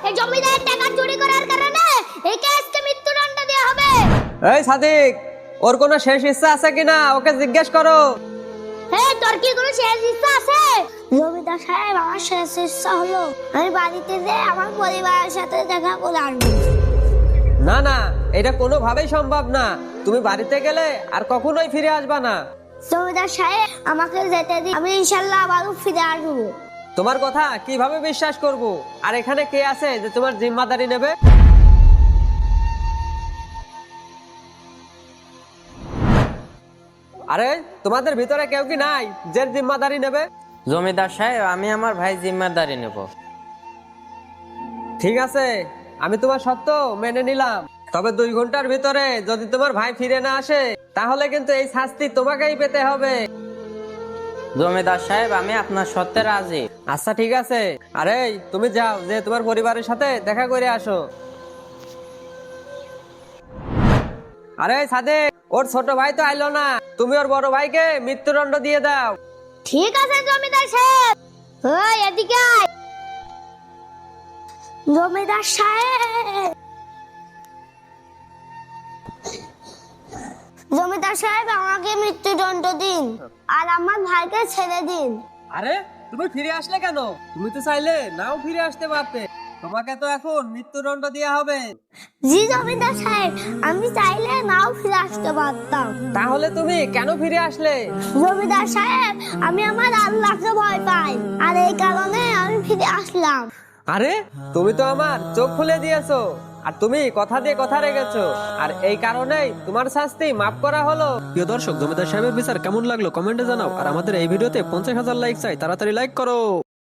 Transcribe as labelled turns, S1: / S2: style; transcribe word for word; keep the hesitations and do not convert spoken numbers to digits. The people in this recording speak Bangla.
S1: এই জমিদারের টাকা চুরি করার কারণে একে আজকে মৃত্যুদণ্ড দেওয়া হবে।
S2: এই সাদিক, ওর কোনো শেষ ইচ্ছা আছে কিনা ওকে জিজ্ঞেস করো।
S1: হ্যাঁ, তোর কি কোনো শেষ ইচ্ছা আছে? জমিদার সাহেব, আমার শেষ ইচ্ছা হলো আমি বাড়িতে যেয়ে আমার পরিবারের সাথে দেখা করে আসবো।
S2: না না, এটা কোনোভাবেই সম্ভব না। তুমি বাড়িতে গেলে আর কখনোই ফিরে আসবা না।
S1: জমিদার সাহেব, আমাকে যেতে দিন, আমি ইনশাল্লাহ আবারও ফিরে আসবো।
S2: তোমার কথা কিভাবে বিশ্বাস করব? আর এখানে কে আছে যে তোমার জিম্মাদারি নেবে? আরে তোমাদের ভিতরে কেউ কি নাই যে জিম্মাদারি নেবে?
S3: জমিদার সাহেব, আমি আমার ভাই জিম্মাদারি নেব।
S2: ঠিক আছে, আমি তোমার সত্য মেনে নিলাম। তবে দুই ঘন্টার ভিতরে যদি তোমার ভাই ফিরে না আসে তাহলে কিন্তু এই শাস্তি তোমাকেই পেতে হবে।
S3: জমিদার সাহেব, আমি আপনার সত্যে রাজি।
S2: আচ্ছা ঠিক আছে। আরে তুমি যাও, যে তোমার পরিবারের সাথে দেখা করে আসো। আরে সাদেক, ওর ছোট ভাই তো আইলো না, তুমি ওর বড় ভাইকে মৃত্যুদণ্ড দিয়ে দাও।
S1: ঠিক আছে জমিদার সাহেব। ওই এদিকে আয়। জমিদার সাহেব, জমিদার সাহেব, আমাকে মৃত্যুদণ্ড দিন আর আমার ভাইকে ছেড়ে দিন।
S2: আরে তুমি ফিরে আসলে কেন? তুমি তো চাইলে নাও ফিরে আসতে পারতে। তোমাকে তো এখন মৃত্যুদণ্ড দেওয়া হবে।
S1: জি জমিদার সাহেব, আমি চাইলে নাও ফিরে আসতে পারতাম।
S2: তাহলে তুমি কেন ফিরে আসলে?
S1: জমিদার সাহেব, আমি আমার আল্লাহকে ভয় পাই আর এই কারণে আমি ফিরে আসলাম।
S2: আরে তুমি তো আমার চোখ খুলে দিয়েছো, আর তুমি কথা দিয়ে কথা রেখেছো, আর এই কারণেই তোমার শাস্তি মাফ করা হলো।
S4: প্রিয় দর্শক, জমিদার সাহেবের বিচার কেমন লাগলো কমেন্টে জানাও। আর আমাদের এই ভিডিওতে পঞ্চাশ হাজার লাইক চাই, তাড়াতাড়ি লাইক করো।